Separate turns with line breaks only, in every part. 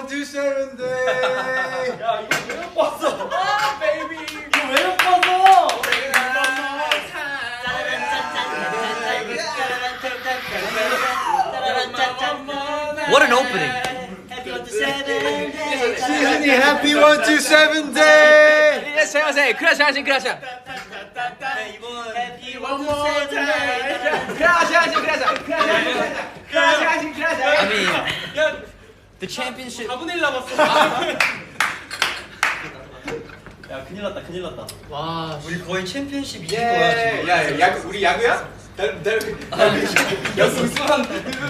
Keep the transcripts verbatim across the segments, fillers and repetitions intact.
one two seven day.
야 이거 왜 못 봤어?
아 베이비
이거 왜 못 봤어?
What an opening!
시즌이 happy one two seven day.
안녕하세요. 크라샤신 크라샤. 크라샤신 크라샤. 크라샤신 크라샤. I mean, the championship.
사분의 일 남았어.
야 큰일 났다 큰일 났다.
와
우리 거의 챔피언십 이긴 거야 지금.
야, 야구 우리 야구야? 달, 달, 야구 우승한.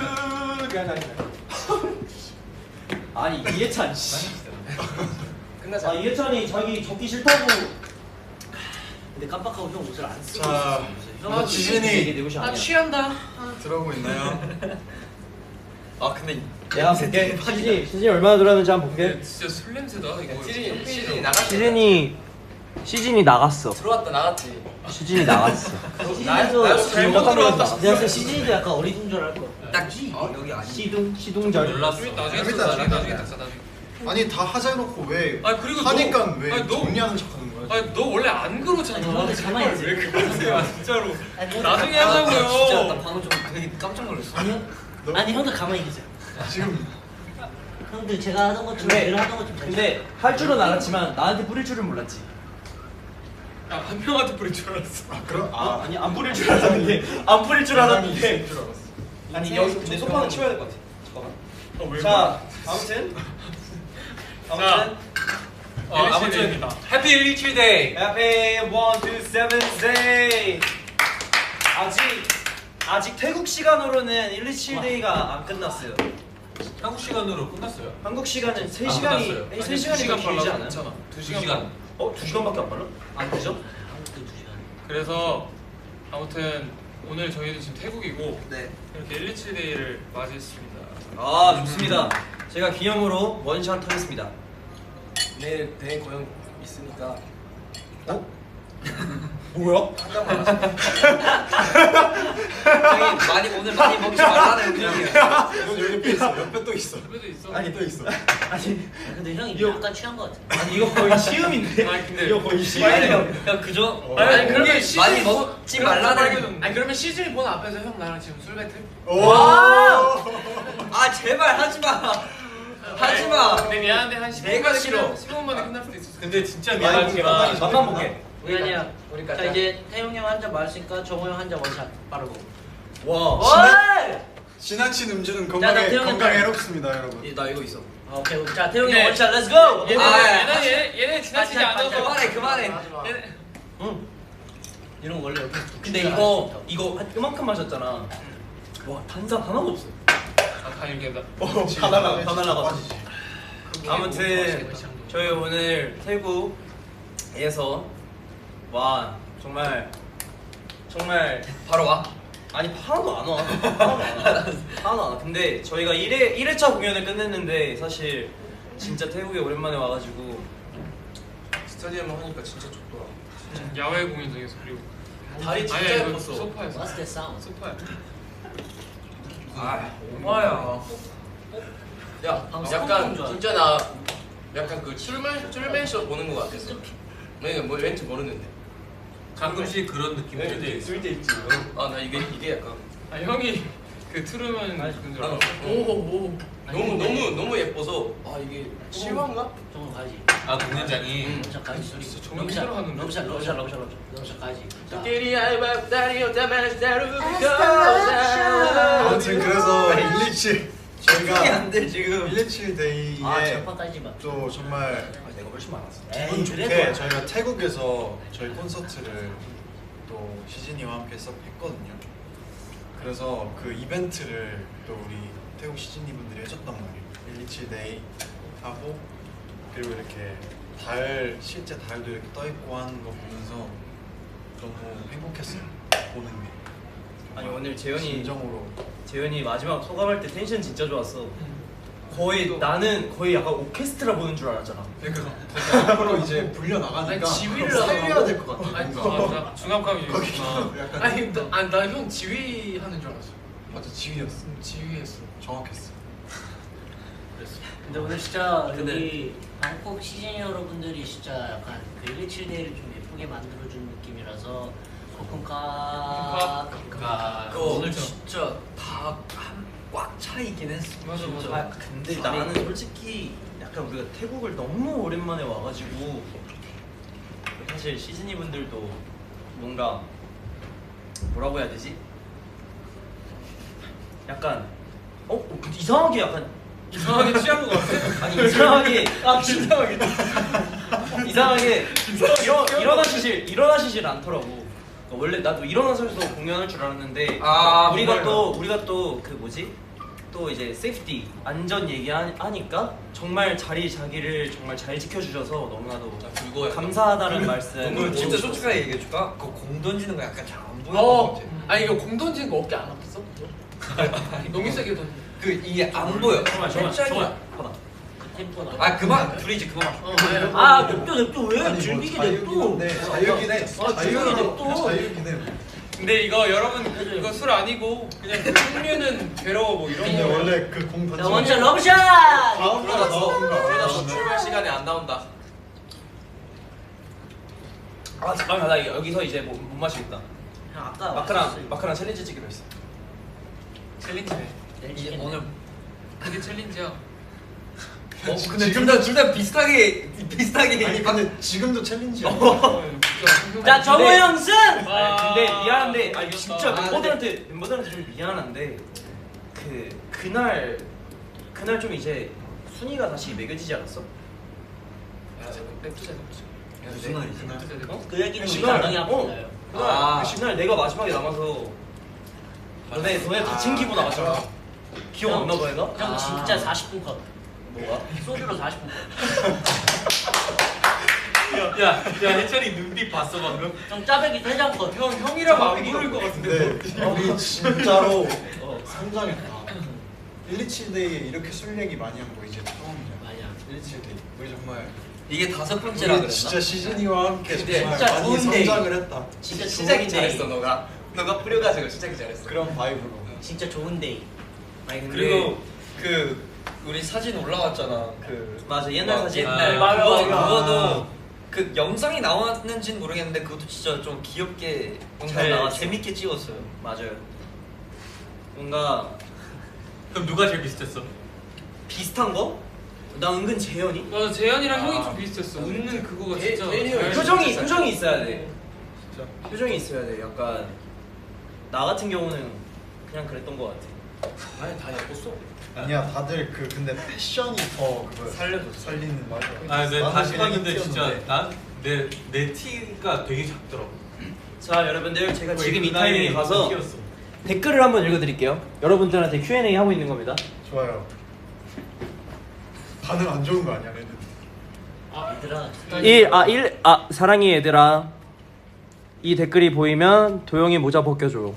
아니 이해찬 씨.
끝나자.
아 이해찬이 자기 적기 싫다고.
근데 깜빡하고 형 옷을 안 쓰고
자,
있었어.
지진이
내 옷이
아
아니야.
취한다.
들어오고 있나요?
아 근데
내가 볼게. 시즌이 시즌이 얼마나 들었는지 한번 볼게.
진짜 술 냄새다 이거.
시즌이 시즌이 나갔.
시즌이 시즌이 나갔어.
들어왔다 나갔지.
시즌이 나갔어.
나도
잘못 들어왔다.
내가 시즌이도 약간 어린 줄 알 거야. 딱지.
어, 여기 아니.
시둥 시둥절.
몰랐어. 나중에
재밌다,
나중에
재밌다.
나중에 닥쳐 나중에.
아니 다 하자 해놓고 왜
아니, 그리고
하니까
너-
왜
아니, 너-
정리하는 척하는 거야?
아니 너 원래 안 그러잖아.
아니, 너 가만히 있어.
왜 그러세요 진짜로.
아니,
나중에
아,
하자고요.
진짜 나 방금 좀 되게 깜짝 놀랐어.
아니요.
너-
아니 형들 가만히 계세요.
지금
형들 제가 하던 것좀
근데-
늘 하던 것좀
근데 할 줄은 알았지만 나한테 뿌릴 줄은 몰랐지.
야한 명한테 뿌릴 줄 알았어.
아 그럼
아,
아
아니 안 뿌릴 줄 알았는데 안 뿌릴 줄 알았는데.
줄 알았어.
아니 여기 근데 소파는 치워야 될 것 같아. 잠깐만.
어, 왜
자 아무튼 아무튼
어, 아무튼 해피 일일칠데이.
해피 one two seven day. 아직 아직 태국 시간으로는 일이칠 데이가 안 끝났어요.
한국 시간으로 끝났어요.
한국 시간은 세
아,
시간이
끝났어요.
세
아니,
시간이
두 시간
길지
빨라도
않아요?
괜찮아. 두
두
시간.
시간. 어? 두 시간밖에 안 빨라? 안 되죠?
한국도 두 시간.
그래서 아무튼 오늘 저희는 지금 태국이고
네.
이렇게 일일칠데이를 맞이했습니다.
아 좋습니다. 제가 기념으로 원샷 하겠습니다.
내일 대회 고용 있으니까.
어? 뭐야?
형이 많이 오늘 많이 먹지 말라는 의견이야.
너 여기 뼈 있어. 옆에 또 있어.
집에도 있어.
아니 또 있어.
아니
아, 근데 형이
이거-
약간 취한 것 같아.
아니 이거 거의 시음인데.
아니, 근데-
이거 거의
아니
시음이야.
형 그저
아니,
아니
그러면
그게
시즌
많이
보-
먹지
그럼
말라는.
빨개졌는데. 아니 그러면 시즌 보는 앞에서 형 나랑 지금 술 배틀?
오.
아 제발 하지 마. 하지 마.
근데 미안한데 한 십 분
내가
만에
싫어.
끝날- 십 분 만에 끝날 수도 있어. 근데 진짜
많이 볼게.
미안하지만
맛만 볼게.
우리 아니야.
우리까지.
자 이제 태용 형 한 잔 마셨으니까 정호 형 한 잔 원샷 빠르고.
와.
지나친 음주는
나
건강에
태형이
건강에
딱-
해롭습니다, 여러분.
나 이거 있어.
아, 오케이. 자 태용 형
네.
원샷 렛츠 고.
얘네
아,
얘네 얘네 얘네 지나치지
반찬,
않아서
반찬.
그만해 그만해.
얘네
응.
이런 거 원래 이렇게
근데 이거 이거 한 이만큼 마셨잖아. 와 탄산 하나도 없어.
아 다행이다.
다 날라가 다 날라가.
빠지지.
아무튼 저희 오늘 태국에서 와 정말 정말
바로 와.
아니 하나도 안 와. 하나도 안 와. 하나도 안 와. 근데 저희가 일 회 일 회차 공연을 끝냈는데 사실 진짜 태국에 오랜만에 와가지고
스타디움 하니까 진짜 좋더라.
야외 공연장에서 그리고
다리 진짜
아니야, 이거
예뻤어.
소파에서.
What's that sound?
소파야.
아 오마야. 야
방금
약간
소금 줄
진짜 나 약간 그 출맨 출맨쇼 보는 거 같았어. 내가 뭐 왠지 모르는데.
가끔씩 그런 느낌이
네,
들
쓸 때 있지. 아나 이게 이게 약간
아 형이 그 트루먼 그런 줄
아,
알았어.
오오 너무 너무 너무 예뻐서 아 이게 실화인가?
정호 가지.
아 공연장이.
원샷 가지 소리.
진짜 정말 힘들어하는데?
럼샷 럼샷 럼샷 럼샷 럼샷 가지. 자.
아무튼 그래서 일이칠 저희가
안돼 지금.
일이칠 데이에
아 절판 까지 마.
또 정말
아, 내가 훨씬 많았어.
기분
에이,
좋게
그래도.
저희가 태국에서 저희 콘서트를 또 시즌이와 함께 썩 했거든요. 그래서 그 이벤트를 또 우리 태국 시즌이 분들이 해줬단 말이에요. 일이칠 데이 하고 그리고 이렇게 달 실제 달도 이렇게 떠 있고 하는 거 보면서 너무 행복했어요. 보는 게.
아니 오늘 재현이
진정으로
재현이 마지막 소감할 때 텐션 진짜 좋았어. 거의 나는 거의 약간 오케스트라 보는 줄 알았잖아.
그러니까 앞으로 이제 불려 나가니까
아니, 지휘를
살려야 될 것 같아.
아니
뭔가.
맞아. 중압감이
거기
있구나.
약간
아니 나형 지휘하는 줄 알았어.
맞아 지휘였어.
지휘했어.
정확했어.
그랬어.
근데 오늘 진짜
근데-
여기 방콕 시즌 여러분들이 진짜 약간 그 일이칠 데이를 좀 예쁘게 만들어준 느낌이라서 코쿤카
카.
그 오늘 진짜 다꽉 차 있긴 했어.
맞아,
진짜.
맞아.
아 근데 나는 솔직히 약간 우리가 태국을 너무 오랜만에 와가지고 사실 시즈니 분들도 뭔가 뭐라고 해야 되지? 약간 어? 어, 근데 이상하게 약간
이상하게 취한 것 같아.
아니 이상하게 아 이상하게 이상하게 일어 일어나시질 일어나시질 않더라고. 그러니까 원래 나도 일어나서서 공연할 줄 알았는데
아,
우리가
정말요?
또 우리가 또 그 뭐지 또 이제 세이프티 안전 얘기하니까 정말 자리 자기를 정말 잘 지켜주셔서 너무나도
그거 약간
감사하다는 말씀.
오늘 진짜 솔직하게 얘기해줄까? 그 공 던지는 거 약간 잘 안 보여.
어. 아니 이거 공 던지는 거 어깨 안 아팠어? 너무 세게 던져.
그 이게 안 보여.
정말 정말
살짝이야.
정말 봐봐.
그 템포나
아 그만 둘이지 그만.
어,
아 냅둬 냅둬 왜
아니, 뭐
즐기게
자유긴
냅둬
한데, 자유긴 해.
아,
자유긴
자유긴 해.
자유긴 해.
근데 이거 여러분 이거 술 아니고 그냥 그 풍류는 괴로워 뭐 이런
근데
거.
원래 그 공
자
던지면
원샷 러브샷
다음 날 나오는 거
그러다
알아?
출발 시간에 안 나온다.
아 잠깐만 나 여기서 이제 뭐, 못 마시겠다.
형 아까
마크랑 마크랑 챌린지 찍기로 했어.
챌린지네.
이게 오늘
그게 챌린지야.
어 근데 둘다둘다 비슷하게 비슷하게.
아니 근데 지금도 챌린지야.
자 정우 형 승!
아, 근데 미안한데 아
이겼다.
진짜
아,
멤버들한테 멤버들한테 좀 미안한데 그 그날 그날 좀 이제 순위가 다시 매겨지지 않았어?
냅두자 냅두자.
무슨 말이지?
어?
그 얘기는 우리
그날,
나중에 한번
어.
해요
그날
아.
그 그날 내가 마지막에 남아서 너네 너네 다 챙기고 나갔잖아. 기억 안 나 봐 얘가?
형
아.
진짜 사십 분 컷
뭐가?
소주로 사십 분
야, 야 해철이 눈빛 봤어 방금?
형 짜배기 세 장 컷
형 형이라고 안 부를 것 같은데.
근데 우리 진짜로 어, 성장했다. 일이칠 데이에 이렇게 술 얘기 많이 한 거 이제 처음이야.
맞아
일이칠 데이. 우리 정말
이게 다섯 번째라
우리
그랬나?
진짜 시즌이와 함께
근데
정말
진짜
많이
좋은 데이.
성장을 했다.
진짜
시작이
좋은
잘했어
데이
너가. 너가 뿌려가지고 시작이 잘했어.
그런 바이브로.
진짜 좋은 데이
아니 근데
그리고 그 우리 사진 올라왔잖아. 그
맞아 옛날
막
사진.
옛날
아,
맞아,
그거
맞아.
그거도 그 영상이 나왔는지는 모르겠는데 그것도 진짜 좀 귀엽게 영상
잘
나왔어.
재밌게 찍었어요. 맞아요. 뭔가
그럼 누가 제일 비슷했어?
비슷한 거? 나 은근 재현이?
맞아 재현이랑
아.
형이 좀 비슷했어. 웃는 그거가
재-
진짜.
재현이 형이
잘-
표정이 표정이 있어야 돼. 표정이 있어야 돼. 약간 나 같은 경우는 그냥 그랬던 것 같아.
아니 다 예뻤어.
아니야 다들 그 근데 패션이 더 그거
살려줬어.
살리는 맞아.
아, 근데
나는
다시
그냥
봤는데 진짜
튀었는데.
난내 내 티가 되게 작더라고.
자 여러분들 제가
거의
지금 이
그 나이에
타이밍에 가서
티였어.
댓글을 한번 읽어드릴게요. 여러분들한테 큐 앤 에이 하고 있는 겁니다.
좋아요. 반응 안 좋은 거 아니야 얘는?
얘들아
일 아 일 아 사랑해 얘들아. 이 댓글이 보이면 도영이 모자 벗겨줘.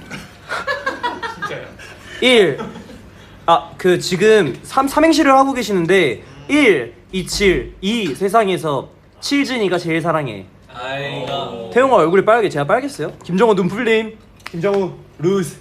진짜야.
일 아 그 지금 삼 삼행시를 하고 계시는데 일, 이칠, 이 세상에서 칠진이가 제일 사랑해.
아이가.
태용아 얼굴이 빨개. 제가 빨겠어요? 김정우 눈풀림. 김정우 루즈.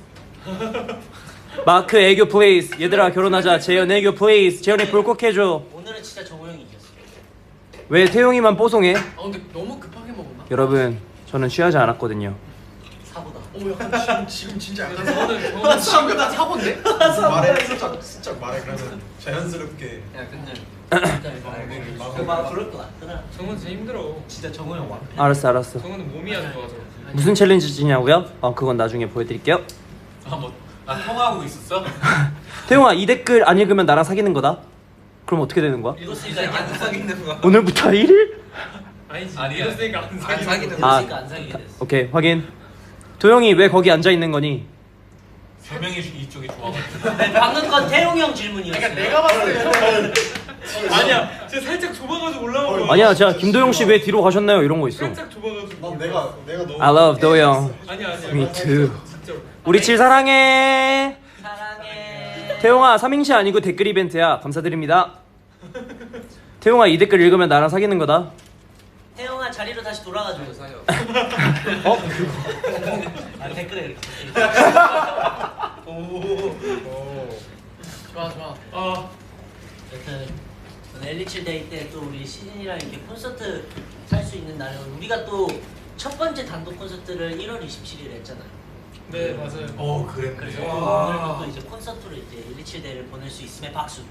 마크 애교 플레이스. 얘들아 결혼하자. 재현 애교 플레이스. 재현이 불콕해줘.
오늘은 진짜 정우 형이 이겼어
왜 태용이만 뽀송해?
아 근데 너무 급하게 먹었나?
여러분 저는 취하지 않았거든요.
사고다
오 약간 지금 지금 진짜 약간
저는 저는
지금 나 사고인데?
말해 슬쩍 슬쩍 말해 그러면 자연스럽게.
야 근데
진짜 막 그럴 것 같더라
정은 진짜 힘들어.
진짜 정우 형 완.
알았어 알았어.
정은은 몸이 안 좋아서.
무슨 챌린지냐고요? 어 그건 나중에 보여드릴게요.
아뭐 아, 통화하고 있었어?
태용아 이 댓글 안 읽으면 나랑 사귀는 거다. 그럼 어떻게 되는 거야?
읽었으니까
진짜 안 사귀는 거야.
오늘부터 일 일?
아니지. 아니 이랬으니까 안
안
사귀는
사귀는
거.
아.
읽었으니까 안 사귀게 됐어
오케이 확인. 도영이 왜 거기 앉아 있는 거니?
세 명이 이쪽이 좋아가지고.
네, 방금 건 태용 형 질문이었어
그러니까 내가 봤을 때 아니야. 제가 살짝 좁아가지고 올라온 거야.
아니야 제가 김도영 씨 왜 뒤로 가셨나요? 이런 거 있어.
살짝 좁아가지고.
난 내가 내가 너무.
I love 도영.
아니야 아니야.
Me too.
진짜.
우리 칠 사랑해.
사랑해
태용아 삼행시 아니고 댓글 이벤트야. 감사드립니다. 태용아 이 댓글 읽으면 나랑 사귀는 거다.
태용아 자리로 다시 돌아가줘
사요.
어?
아 댓글에 이렇게
좋아 좋아. 아
여튼 오늘 일이칠 데이 때 또 우리 시즌이랑 이렇게 콘서트 할 수 있는 날은 우리가 또 첫 번째 단독 콘서트를 일월 이십칠일에 했잖아요.
네 맞아요.
어 그랬네.
그래서
와.
오늘부터 이제 콘서트로 이제 일이칠 데이를 보낼 수 있음에 박수.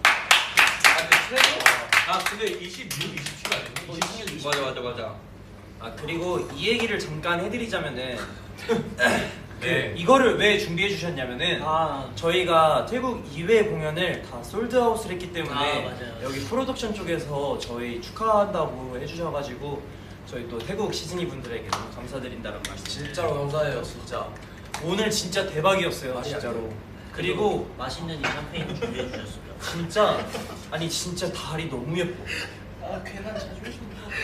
아 근데 이십육, 이십칠 아니에요?
어, 이십육, 이십칠.
맞아 맞아 맞아. 아 그리고 이 얘기를 잠깐 해드리자면은 그 이거를 왜 준비해 주셨냐면은
아
저희가 태국 이 회 공연을 다 솔드아웃을 했기 때문에
아, 맞아요.
여기 프로덕션 쪽에서 저희 축하한다고 해주셔가지고 저희 또 태국 시즈니 분들에게 너무 감사드린다는 말씀.
진짜로 감사해요 진짜.
오늘 진짜 대박이었어요
말이 안
진짜로. 그리고
맛있는 이 샴페인을 준비해 주셨습니다.
진짜 아니 진짜 달이 너무 예뻐.
아 괜한 자존심.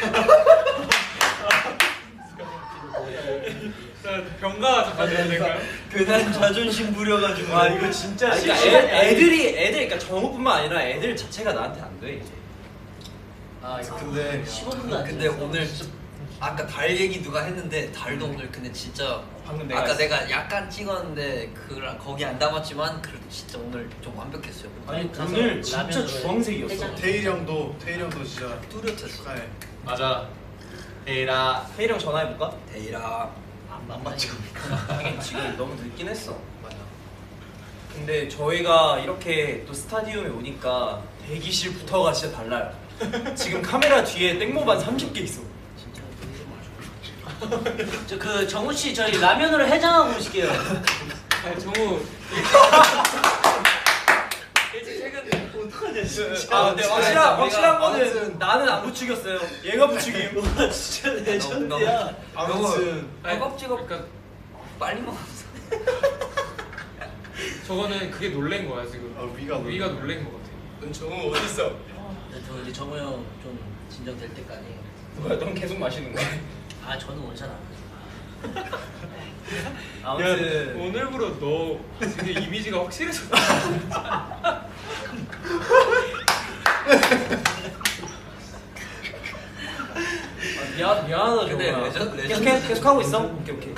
자 병가 잠깐 해야 될까요?
그날 자존심 부려가지고. 아 이거 진짜.
아니,
그러니까
시간이
애, 애들이 애들 그러니까 정우뿐만 아니라 애들 자체가 나한테 안 돼. 이제.
아 이거
근데
십오 분도 안
근데
지났어.
오늘 아까 달 얘기 누가 했는데 달도 오늘 근데 진짜
방금 내가
아까
했어.
내가 약간 찍었는데 그 거기 안 담았지만 그래도 진짜 오늘 좀 완벽했어요.
아니
가서
오늘 진짜
라면으로
주황색이었어.
해장.
태일이 형도 태일이 형도 진짜
뚜렷했어.
축하해.
맞아. 에라.
혜이랑 전화해볼까?
데이라
안 맞죠?
하긴 지금 너무 늦긴 했어. 맞아. 근데 저희가 이렇게 또 스타디움에 오니까 대기실부터가 진짜 달라요. 지금 카메라 뒤에 땡모반 삼십 개 있어.
진짜 저 그 정우 씨 저희 라면으로 해장하고 오실게요.
아 정우. 일찍 퇴근.
아, 근데 확실한
우리가
확실한 거는
아무튼-
나는 안 부추겼어요. 얘가 부추김.
와 진짜 레전드야.
아무튼
허겁지겁
그러니까
빨리 먹었어.
저거는 그게 놀란 거야 지금.
아, 위가 놀란
위가
거야.
놀란 거 같아.
넌 정우 어디 있어?
저 이제 정우 형 좀 진정될 때까지.
뭐야, 넌 계속 마시는 거야?
아 저는 원샷 안 해요.
아무튼
오늘부로 너 되게 이미지가 확실해졌다.
아, 미안 미안하다
근데
정우야.
레전-
계속
레전드
계속, 계속 하고 있어? 오케이 오케이.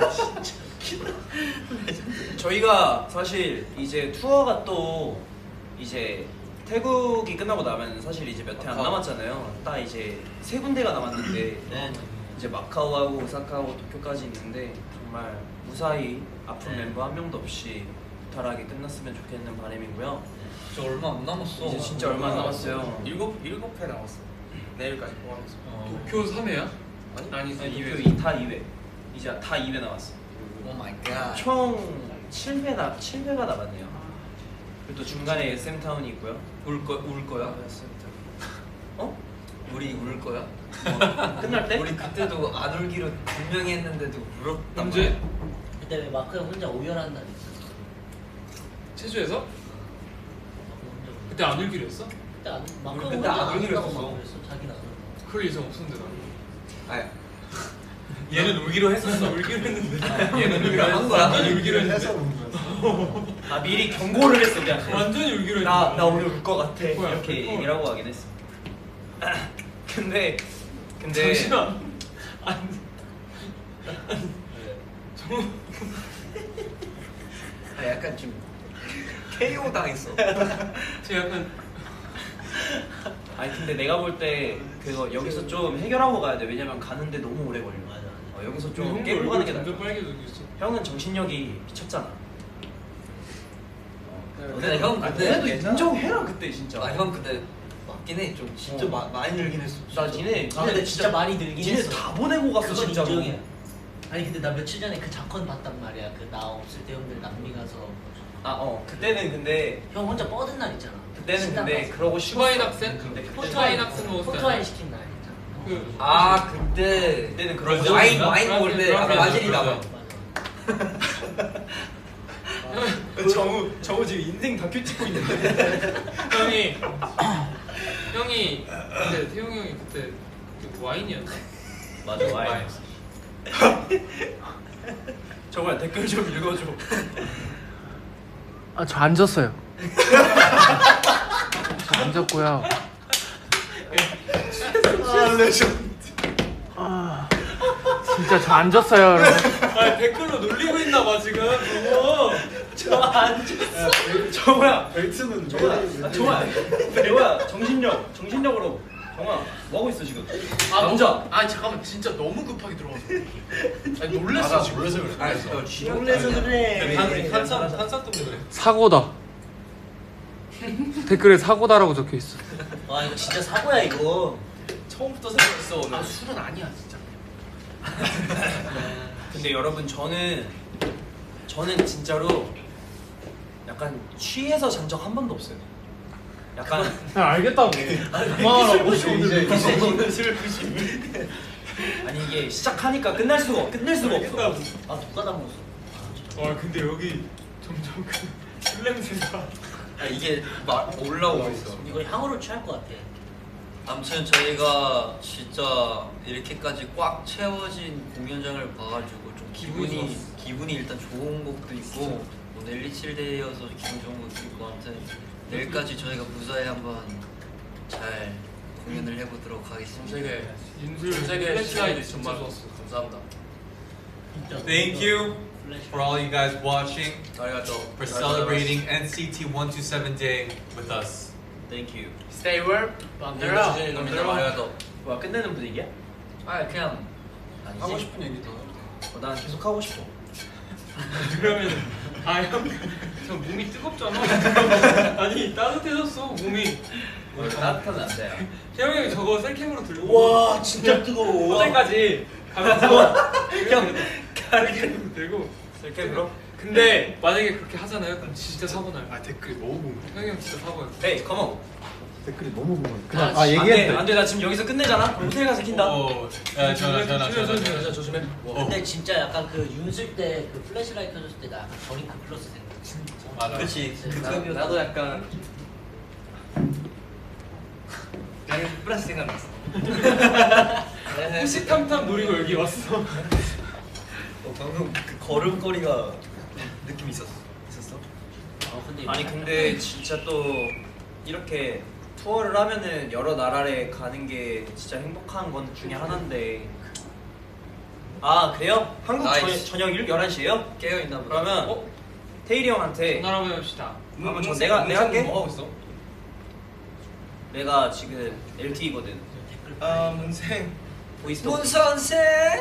저희가 사실 이제 투어가 또 이제 태국이 끝나고 나면 사실 이제 몇 회 안
마카오.
남았잖아요. 딱 이제 세 군데가 남았는데
네.
이제 마카오하고 오사카하고 도쿄까지 있는데 정말 무사히 아픈
네.
멤버 한 명도 없이 무탈하게 끝났으면 좋겠는 바람이고요.
저 얼마 안 남았어.
이제 진짜 얼마 안 남았어요.
일곱 일곱 회 남았어. 내일까지 포함해서.
도쿄 삼 회야?
아니?
아니
아니,
이
도쿄
회.
이 다 이 회. 이제 다 이 회 남았어.
오 마이 갓.
총 칠 회 나 칠 회가 남았네요. 그리고 또 중간에 에스엠 타운이 있고요.
울거울 거야?
어?
우리 울 거야?
끝날 때?
우리 그때도 안 울기로 분명히 했는데도 울었단
언제?
말이야.
그때 왜 마크 형 혼자 오열한 날 있었어?
체조에서?
마크 혼자 오열.
그때 안 울기로 했어?
그때 안 마크
우리
형
그때
혼자
안 울기로
울다고
했었어.
막 그랬어. 자기는 안 울고.
그럴 예정 없었는데 나.
아니
얘는 울기로 했었어. 울기로 했는데. 얘는 울기로
한 거야?
완전히 울기로 했는데.
아 미리 경고를 했어 그냥.
완전히 울기로 했는데.
나, 나 오늘 울 것 같아
뭐야,
이렇게
어.
얘기를 하고 가긴 했어. 근데 근데
잠시만. 안. 정우.
아, 약간 좀 케이오 당했어.
제 약간
아니 근데 내가 볼 때 그거 여기서 좀 해결하고 가야 돼. 왜냐면 가는데 너무 오래 걸려.
맞아.
어, 여기서
좀
좀
형도
깨고
얼굴
가는 게 나아.
점점 빨개지고 있어.
형은 정신력이 미쳤잖아.
근데 형
아,
근데
그래도 인정해라 그때 진짜.
아 형 근데 맞긴 해. 좀 진짜
어.
마, 많이 늘긴 했어.
나 니네
아 근데 진짜 많이 늘긴
니네
했어.
다 보내고 갔어
그건
진짜.
인정이야. 아니 근데 나 며칠 전에 그 작건 봤단 말이야. 그 나 없을 때 형들 남미 가서
아어 그때는 근데
형 혼자 뻗은 날 있잖아.
그때는
신당
근데
가서.
그러고 쉬었어.
후바인 학생?
근데 그때
포토아인 학생 먹었을 때.
포토아인 시킨 날 있잖아.
그
아 그때
그때는 그러고
브라질?
와인
쉬었어.
와인 먹을 때 아,
브라질,
바질이다.
브라질.
맞아.
정우 정우 지금 인생 다큐 찍고 있는데.
형이 형이 근데 태용 형이 그때 그 와인이었나?
맞아 와인. 정말 댓글 좀 읽어줘.
아, 저 앉았어요. 저 앉았고요.
아 레전드.
아, 진짜 저 앉았어요, 여러분.
아 댓글로 놀리고 있나 봐 지금. 너무.
저안 줬어.
정우야,
벨트는
정우야, 아, 정우야, 정우야, 정신력, 정신력으로. 정우야, 뭐 하고 있어 지금?
아
남자.
너무, 아 잠깐만 진짜 너무 급하게 들어가서. 아니 놀랬어 지금.
놀라서 그래.
아 진짜 취향
놀래서 그래.
한산 한산 때문에 그래.
사고다. 댓글에 사고다라고 적혀 있어.
와 이거 진짜 사고야 이거.
처음부터 생각했어 오늘.
아 술은 아니야 진짜.
근데 여러분 저는 저는 진짜로 약간 취해서 잔 적 한 번도 없어요. 약간
그냥 알겠다고.
그만하라고 이제
오늘 술 드시면 아니 이게 시작하니까 끝날 수가 없- 끝낼 수가 없어.
아 누가 다 먹었어?
와 근데 여기 점점 그술 냄새가.
아, 이게 막 올라오고 있어.
이거 향으로 취할 것 같아.
아무튼 저희가 진짜 이렇게까지 꽉 채워진 공연장을 봐가지고 좀 기분이 기분이 일단 좋은 것도 있고 오늘 일이칠데이여서 기분 좋은 것도 있고 아무튼 내일까지 저희가 무사히 한번 잘 공연을 해보도록 하겠습니다.
세계
윤슬
세계
플래시라이트
시간이
진짜
정말
좋았어.
감사합니다.
Thank you for all you guys watching,
아리가또.
for celebrating N C T one two seven Day with us.
Thank you.
Stay warm.
맘대로 주제는 놈이다 아리가또.
와 끝내는 분위기야?
아 그냥
하고
아니지.
싶은 얘기 더.
어, 난 계속 하고 싶어.
그러면 아형저 몸이 뜨겁잖아. 아니 따뜻해졌어 몸이.
따뜻하면 안 돼.
태영이 형이 저거 셀캠으로 들고.
와 진짜 뜨거워.
호텔까지 가면서 형 셀캠으로 들고.
셀캠으로?
근데 만약에 그렇게 하잖아요. 그럼 진짜 사고 나요.
아 댓글이 너무 궁금해.
태영이 형 진짜 사고요.
헤이, 컴온.
댓글이 너무 궁금해.
그냥
그냥 아 얘기해.
안돼, 나 지금 여기서 끝내잖아. 그럼 호텔 가서 킨다.
오, 야, 전화, 전화, 전화, 전화, 전화.
조심해.
근데 진짜 약간 그 윤슬 때 그 플래시라이트 켜졌을 때 나 약간 저링크 플러스 생각. 진짜.
맞아.
그렇지.
나-
그 나도 약간 그냥 플러스 생각났어.
호시탐탐 노리고 여기 왔어.
어, 방금 그 걸음걸이가 느낌 있었어. 있었어?
어 근데
아니 근데 진짜 또 이렇게 투어를 하면은 여러 나라에 가는 게 진짜 행복한 건 중에 하나인데. 아 그래요? 한국
나이스.
저, 저녁 열한 시에요?
깨어 있나 보다.
그러면
어?
태일이 형한테
전화 한번 해봅시다.
한번 전 내가 내가 할게.
뭐 하고 있어?
내가 지금 엘티이거든.
아 문생.
보이스톡.
문 선생.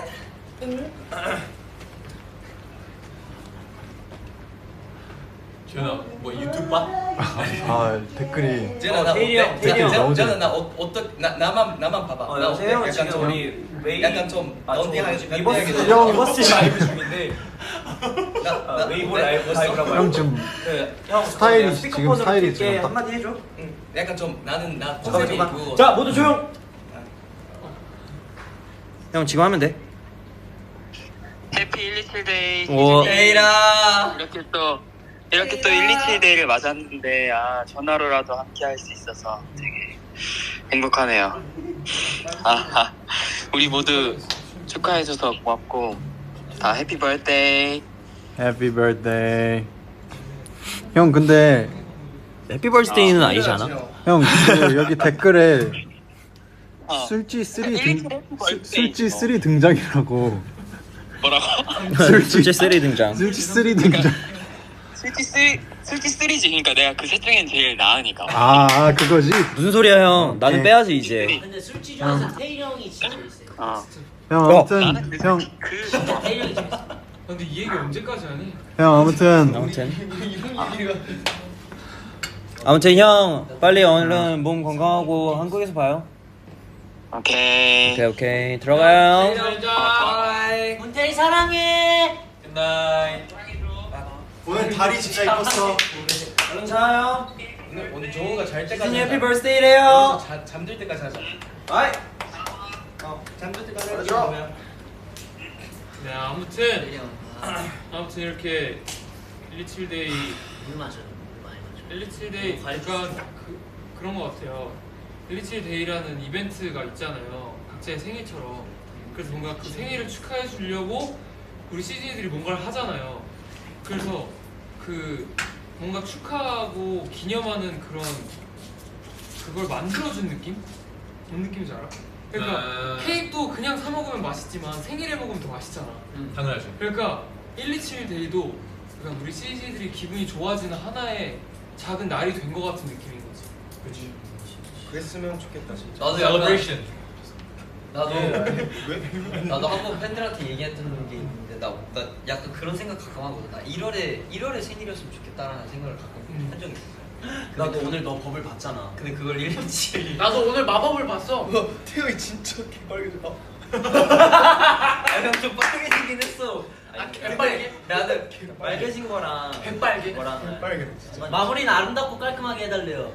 전화, 뭐 유튜브 봐?
아 댓글이
제가
어,
나
태일이 형, 태일이 형.
나오지.
제가 나 어, 어떤 나 나만 나만 봐봐.
어,
나
형, 태일 형은
약간
지금
좀
우리 웨이
약간 좀
아,
런닝하게
저
좀
리버스
런닝하게
형.
리버스 라이브 중인데
나,
아,
나
웨이브
네,
라이브
벌써?
라이브라고
형 지금
그, 형
스타일이
내가
지금
스피커폰으로
스타일이
킬게.
지금 딱-
한마디 해줘.
응. 약간 좀 나는 나
잠깐만
컨셉이
잠깐.
그거.
자 모두 조용. 형 지금 하면 돼.
해피 일이칠데이
오.
에이라.
이렇게 또 이렇게 또 일이칠데이를 맞았는데 아 전화로라도 함께 할 수 있어서 되게 행복하네요. 아, 우리 모두 축하해줘서 고맙고 다 해피 버스데이.
해피 버스데이. 형 근데
해피 벌스데이는 아니지 않아?
형 그 여기 댓글에
어.
술지 쓰리
일일이
등
해피
술-
버스데이.
술지 쓰리 등장이라고.
뭐라고?
술지
쓰리 등장.
술지 쓰리 등장.
술지 쓰리 술지 쓰리지. 그러니까 내가 그 셋 중엔 제일 나으니까.
아, 아 그거지.
무슨 소리야 형? 나는
네.
빼야지 이제.
근데 술집 중에서 태일 형이 진짜 재밌어요.
어.
형
어.
아무튼
나는 그
형
그
진짜 태일 형이 재밌어.
근데 이 얘기 언제까지 하니?
형 아무튼
아무튼
이런 얘기가.
아무튼 형 빨리 얼른 몸 건강하고 한국에서 봐요.
오케이.
오케이 오케이 들어가요.
자.
문태일 사랑해.
굿나잇.
오늘 다리 진짜 이뻤어.
얼른 자요.
오늘 오늘 정우가 잘 때까지.
시즌 해피
하자.
벌스데이래요.
자, 잠들 때까지 하자.
바이.
어, 잠들 때까지 하자. 그러면.
네 아무튼
태일이 형. 아,
아무튼 이렇게 일이칠데이
물 마셔. 물 많이 마셔.
일이칠데이 그러니까 그, 그런 것 같아요. 일이칠데이라는 이벤트가 있잖아요. 각자의 생일처럼. 그래서 뭔가 그 생일을 축하해 주려고 우리 시즌이들이 뭔가를 하잖아요. 그래서 그 뭔가 축하하고 기념하는 그런 그걸 만들어준 느낌? 뭔 느낌인지 알아? 그러니까
아.
케이크도 그냥 사 먹으면 맛있지만 생일에 먹으면 더 맛있잖아.
당연하지.
그러니까 일이칠데이도 그러니까 우리 씨지들이 기분이 좋아지는 하나의 작은 날이 된 것 같은 느낌인 거지.
그렇지. 그랬으면 좋겠다 진짜.
나도 약간
celebration.
나도
왜?
나도 한 번 팬들한테 얘기했던 게 있는데 나, 나 약간 그런 생각 가끔 하거든. 나 일월에 일월에 생일이었으면 좋겠다라는 생각을 가끔
음.
한 적이 있어.
나도 오늘 너 법을 봤잖아.
근데 그걸 일일치
나도 오늘 마법을 봤어.
태형이 진짜 개빨개져.
좀 빨개지긴 했어.
아, 개빨개?
나는 빨개진 거랑
개빨개?
거랑
빨개 진짜.
마무리는 아름답고 깔끔하게 해달래요.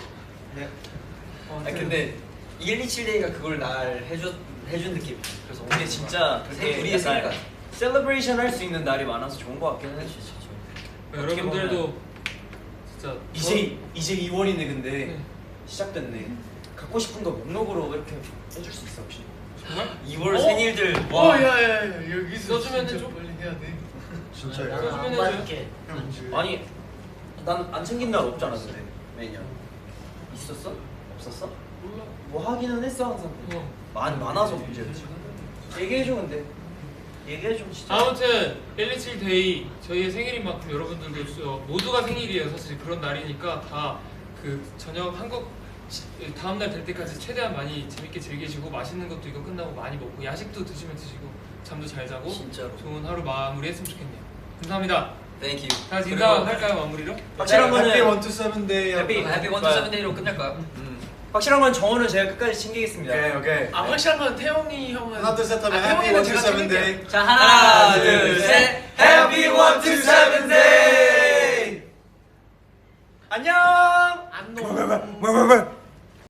아 근데 일이칠데이가 그걸 날 해줘 해준 느낌. 그래서
근데 진짜
생- 우리의 생일 같아.
셀러브레이션 할 수 있는 날이 많아서 좋은 거 같긴 해. 진짜.
여러분들도 진짜
이제 이제 이월이네 근데
네.
시작됐네. 갖고 싶은 거 목록으로 이렇게 해줄 수 있어 혹시?
정말
이월
어?
생일들
와, 야야야 여기서
써주면
진짜
해줘?
빨리 해야 돼. 진짜.
아,
야.
안
받을게.
아니 난 안 챙긴 날 없잖아 근데 매년 있었어? 없었어?
몰라.
뭐 하기는 했어 항상.
어.
많이 많아서 문제지. 얘기해줘 근데. 얘기해줘 진짜.
아무튼 일이칠 데이 저희의 생일인 만큼 여러분들도 저- 모두가 생일이에요. 사실 그런 날이니까 다 그 저녁 한국 시- 다음 날 될 때까지 최대한 많이 재밌게 즐기시고 맛있는 것도 이거 끝나고 많이 먹고 야식도 드시면 드시고 잠도 잘 자고
진짜로.
좋은 하루 마무리했으면 좋겠네요. 감사합니다.
Thank you.
다 같이 인사할까요 마무리로?
확실한 거는
해피 원투 세븐데이.
해피.
해피 원투 세븐데이로 끝낼까요?
확실한 건 정원은 제가 끝까지 챙기겠습니다.
오케이 오케이.
아 확실한 건 태영이 형은
하나 둘셋 하면
아,
해피
태용이는
원투
제가
세븐데이.
자 하나,
하나, 둘, 셋. Happy one two seven day. 안녕.
안 넘어.